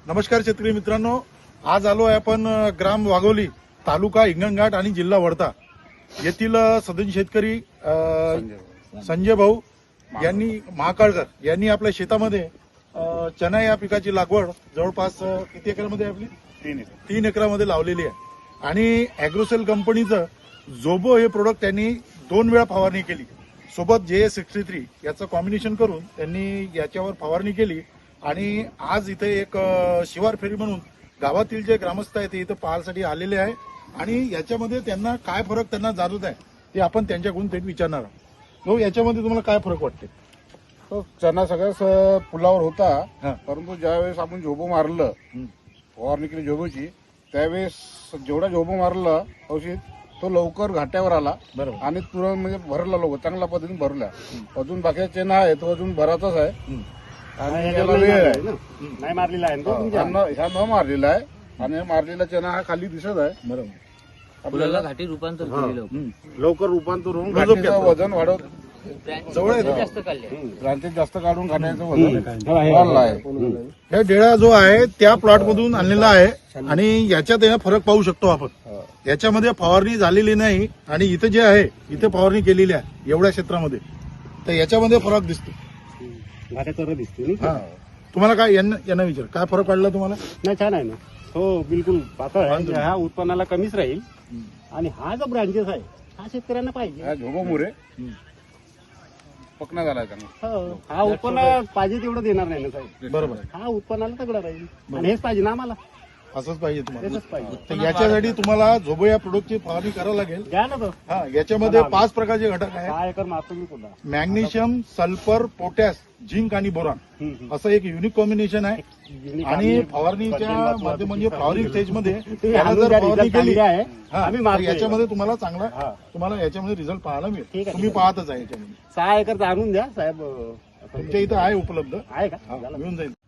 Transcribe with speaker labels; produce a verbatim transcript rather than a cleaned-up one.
Speaker 1: नमस्कार शेतकरी मित्रांनो, आज आलो आहे आपण ग्राम वाघोली, तालुका हिंगणघाट आणि जिल्हा वर्धा येथील सदन शेतकरी संजय भाऊ यांनी महाकाळकर यांनी आपल्या शेतामध्ये चना या पिकाची लागवड जवळपास किती एकरामध्ये आपली
Speaker 2: तीन एकर
Speaker 1: तीन एकरामध्ये लावलेली आहे आणि अॅग्रोसेल कंपनीचं जोबो हे प्रोडक्ट त्यांनी दोन वेळा फवारणी केली. सोबत जे सिक्स्टी थ्री याचं कॉम्बिनेशन करून त्यांनी याच्यावर फवारणी केली आणि आज इथे एक शिवार फेरी म्हणून गावातील जे ग्रामस्थ आहेत ते इथं पाहायसाठी आलेले आहे आणि याच्यामध्ये त्यांना काय फरक त्यांना जाणवत आहे ते आपण त्यांच्याकडून थेट विचारणार आहोत. हो, याच्यामध्ये तुम्हाला काय फरक वाटते?
Speaker 2: तो चना सगळ्याच पुलावर
Speaker 1: हा.
Speaker 2: होता, परंतु ज्यावेळेस आपण झोबो मारलं, फवारणी केली झोबोची, त्यावेळेस जेवढा झोबो मारलं औषध तो लवकर घाट्यावर आला.
Speaker 1: बरोबर.
Speaker 2: आणि तुरंत म्हणजे भरला लवकर, चांगल्या पद्धतीने भरला. अजून बाकीचा चेना आहे तो अजून भराचाच आहे आणि याला वेळ आहे.
Speaker 3: नाही मारलेला आहे तो तुमच्या.
Speaker 2: ह्या न- ह्या न मारलेला आहे आणि मारलेला चना हा खाली दिसत आहे.
Speaker 1: बरोबर.
Speaker 4: फुलाला घाटी रूपांतर केलेलं
Speaker 2: लवकर रूपांतर होऊन
Speaker 1: गजब
Speaker 2: घाटीचं
Speaker 1: केलं.
Speaker 2: वजन वाढवत,
Speaker 1: जवळ आहे तो.
Speaker 4: जास्त काढले.
Speaker 2: ब्रांचेस जास्त काढून घाटायचं वजन वाढलं आहे.
Speaker 1: हे डेळा जो आहे त्या प्लॉट मधून आणलेला आहे आणि याच्यात हे फरक पाहू शकतो आपण. याच्यामध्ये फवारणी झालेली नाही आणि इथे जे आहे इथे फवारणी केलेली आहे एवढ्या क्षेत्रामध्ये, तर याच्यामध्ये फरक दिसतो.
Speaker 3: घाट्या तर दिसते नाही
Speaker 1: हा, तुम्हाला काय यांना यांना विचार काय फरक पडला तुम्हाला?
Speaker 3: नाही, छान आहे ना. हो, बिलकुल पातळ आहे. ह्या उत्पन्नाला कमीच राहील आणि हा जो ब्रांचेस आहे हा शेतकऱ्यांना पाहिजे.
Speaker 2: हा झोबो मुरे पकना झाला चांगला.
Speaker 3: हो, हा उत्पन्न पाहिजे तेवढं देणार नाही ना साहेब.
Speaker 1: बरोबर,
Speaker 3: हा उत्पन्नाला तगडा राहील आणि हेच पाहिजे ना आम्हाला.
Speaker 1: असंच पाहिजे तुम्हाला.
Speaker 3: हेच पाहिजे.
Speaker 1: तर याच्यासाठी तुम्हाला झोबो या प्रोडक्टची फवारणी करावी लागेल.
Speaker 3: घ्या ना तो.
Speaker 1: हा, याच्यामध्ये पाच प्रकारचे घटक आहेत:
Speaker 3: सहा एकर मारतो मी पुन्हा.
Speaker 1: मॅग्नेशियम, सल्फर, पोटॅश, झिंक आणि बोरॉन
Speaker 3: हम्म, हम्म.
Speaker 1: असं एक युनिक कॉम्बिनेशन आहे.
Speaker 3: युनिक
Speaker 1: आणि
Speaker 3: आम्ही
Speaker 1: फवारणीच्या
Speaker 3: बदलून
Speaker 1: मध्ये म्हणजे
Speaker 3: वापरतो.
Speaker 1: फ्लॉवरिंग स्टेज मध्ये
Speaker 3: तुम्ही
Speaker 1: त्याला
Speaker 3: आणून
Speaker 1: जर
Speaker 3: द्या,
Speaker 1: फवारणी
Speaker 3: result
Speaker 1: केली
Speaker 3: चांगले आहे.
Speaker 1: हा,
Speaker 3: आम्ही
Speaker 1: तर
Speaker 3: मारतो.
Speaker 1: याच्यामध्ये तुम्हाला चांगला
Speaker 3: हा.
Speaker 1: तुम्हाला याच्यामध्ये रिझल्ट पाहायला मिळेल.
Speaker 3: ठीक आहे,
Speaker 1: तुम्ही
Speaker 3: ठीक आहे.
Speaker 1: पाहतच आहे याच्यामध्ये.
Speaker 3: सहा एकरचा आणून द्या साहेब.
Speaker 1: तुमच्या इथं आहे उपलब्ध.
Speaker 3: आहे का?
Speaker 1: हा,
Speaker 3: झालं.
Speaker 1: मिळून जाईल.